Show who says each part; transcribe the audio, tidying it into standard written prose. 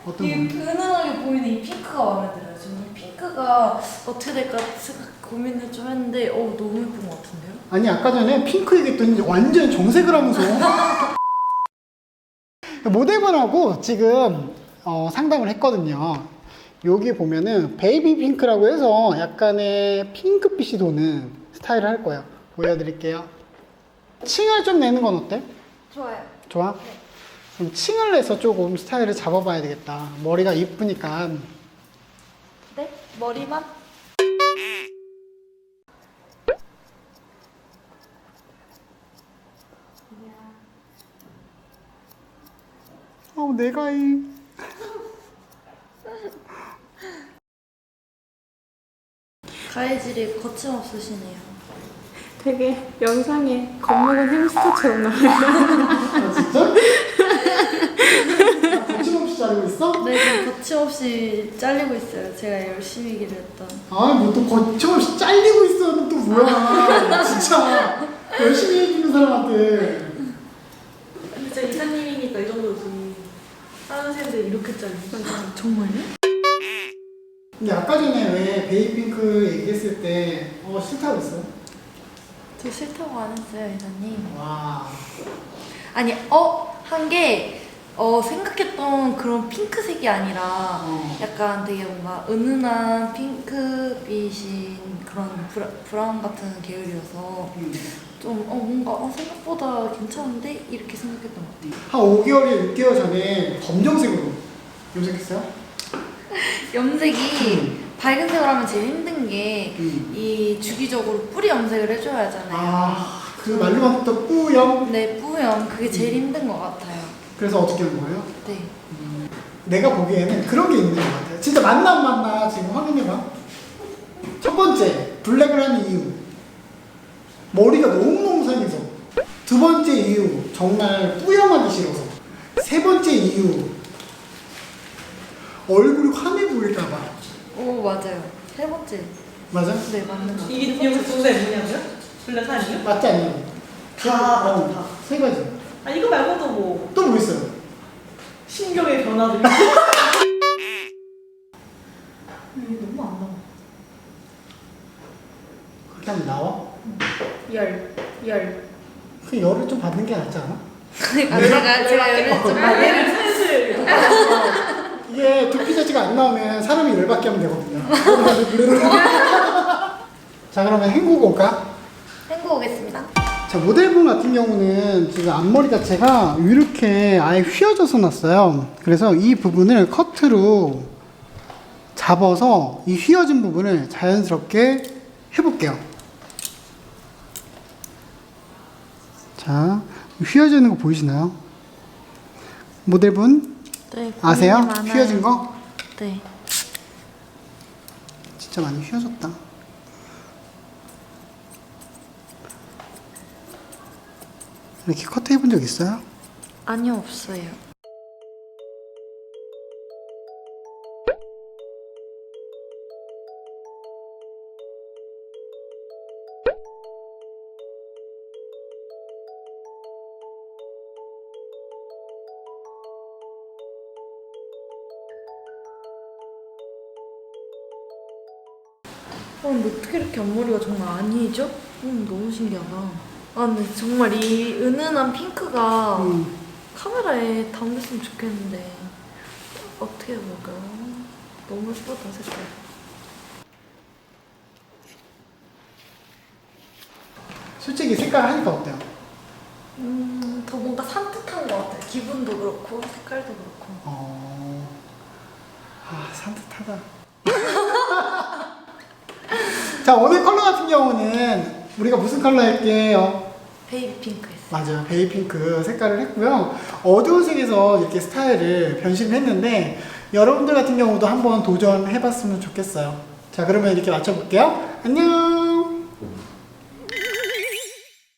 Speaker 1: 어떤
Speaker 2: 이
Speaker 1: 거?
Speaker 2: 은은하게 보이는 이 핑크가 마음에 들어요. 저는 이 핑크가 어떻게 될까 고민을 좀 했는데 너무 예쁜 것 같은데요?
Speaker 1: 아니 아까 전에 핑크 얘기했더니 완전 정색을 하면서 모델분하고 지금 상담을 했거든요. 여기 보면은 베이비 핑크라고 해서 약간의 핑크빛이 도는 스타일을 할 거예요. 보여드릴게요. 층을 좀 내는 건 어때?
Speaker 2: 좋아요.
Speaker 1: 좋아?
Speaker 2: 네.
Speaker 1: 그럼 층을 내서 조금 스타일을 잡아봐야 되겠다. 머리가 이쁘니까.
Speaker 2: 네? 머리만?
Speaker 1: 내가 이
Speaker 2: 가해질이 거침없으시네요.
Speaker 3: 되게 영상에 겁먹은 햄스터처럼 나와요.
Speaker 1: 아, 진짜? 거침없이 자르고 있어?
Speaker 2: 네, 지금 거침없이 잘리고 있어요. 제가 열심히 일을 했던.
Speaker 1: 뭐 또 거침없이 잘리고 있어는 또 뭐야. 진짜 열심히 해주는 사람한테.
Speaker 3: 진짜 이사님이니까 이 정도지. 다른 샌들 이렇게 잘리고.
Speaker 2: 정말요?
Speaker 1: 근데 아까 전에 왜 베이핑크 얘기했을 때 싫다고 했어?
Speaker 2: 저 싫다고 안 했어요, 이사님.
Speaker 1: 와.
Speaker 2: 아니, 한 게, 생각했던 그런 핑크색이 아니라 약간 되게 뭔가 은은한 핑크빛인 그런 브라운 같은 계열이어서 좀 뭔가 생각보다 괜찮은데? 이렇게 생각했던 것 같아요.
Speaker 1: 한 5개월에 6개월 전에 검정색으로 염색했어요?
Speaker 2: 염색이 밝은 색으로 하면 제일 힘든 게 이 주기적으로 뿌리 염색을 해줘야 하잖아요.
Speaker 1: 그 말로만 듣던 뿌염?
Speaker 2: 네, 뿌염. 그게 제일 힘든 것 같아요.
Speaker 1: 그래서 어떻게 한 거예요?
Speaker 2: 네.
Speaker 1: 내가 보기에는 그런 게 있는 것 같아요. 진짜 맞나 지금 확인해봐. 첫 번째, 블랙을 하는 이유. 머리가 너무너무 상해서. 두 번째 이유, 정말 뿌염하기 싫어서. 세 번째 이유, 얼굴이 환해 보일까봐.
Speaker 2: 오, 맞아요. 세 번째.
Speaker 1: 맞아?
Speaker 2: 네, 맞는 것 같아요.
Speaker 3: 이게 여기서 두 개 뭐냐고요? 블랙 아니에요?
Speaker 1: 맞지 않니?
Speaker 3: 다.
Speaker 1: 세 가지.
Speaker 3: 아 이거 말고도 뭐
Speaker 1: 또 뭐 있어요?
Speaker 3: 신경의 변화도 있고.
Speaker 2: 이게 너무 안 나와.
Speaker 1: 그렇게 하면 나와?
Speaker 2: 열.
Speaker 1: 그 열을 좀 받는 게 낫지 않아?
Speaker 2: 제가 열을 좀
Speaker 3: 얘를 슬슬.
Speaker 1: 이게 두피 자체가 안 나오면 사람이 열받게 하면 되거든요. 자, 그러면 헹구고 올까?
Speaker 2: 헹구 오겠습니다.
Speaker 1: 자, 모델분 같은 경우는 지금 앞머리 자체가 이렇게 아예 휘어져서 났어요. 그래서 이 부분을 커트로 잡아서 이 휘어진 부분을 자연스럽게 해볼게요. 자, 휘어지는 거 보이시나요? 모델분
Speaker 2: 네,
Speaker 1: 아세요?
Speaker 2: 고민이 많아요.
Speaker 1: 휘어진 거?
Speaker 2: 네.
Speaker 1: 진짜 많이 휘어졌다. 이렇게 커트 해본 적 있어요?
Speaker 2: 아니요, 없어요. 근데 어떻게 이렇게 앞머리가 정말 아니죠? 너무 신기하다. 근데 정말 이 은은한 핑크가 카메라에 담겼으면 좋겠는데 어떻게 해볼까요? 너무 예쁘다, 색깔.
Speaker 1: 솔직히 색깔 하니까 어때요?
Speaker 2: 더 뭔가 산뜻한 것 같아요. 기분도 그렇고 색깔도 그렇고.
Speaker 1: 산뜻하다. 자, 오늘 컬러 같은 경우는 우리가 무슨 컬러 할게요?
Speaker 2: 베이비 핑크 했어요.
Speaker 1: 맞아요. 베이핑크 색깔을 했고요. 어두운 색에서 이렇게 스타일을 변신했는데 여러분들 같은 경우도 한번 도전해봤으면 좋겠어요. 자, 그러면 이렇게 맞춰볼게요. 안녕!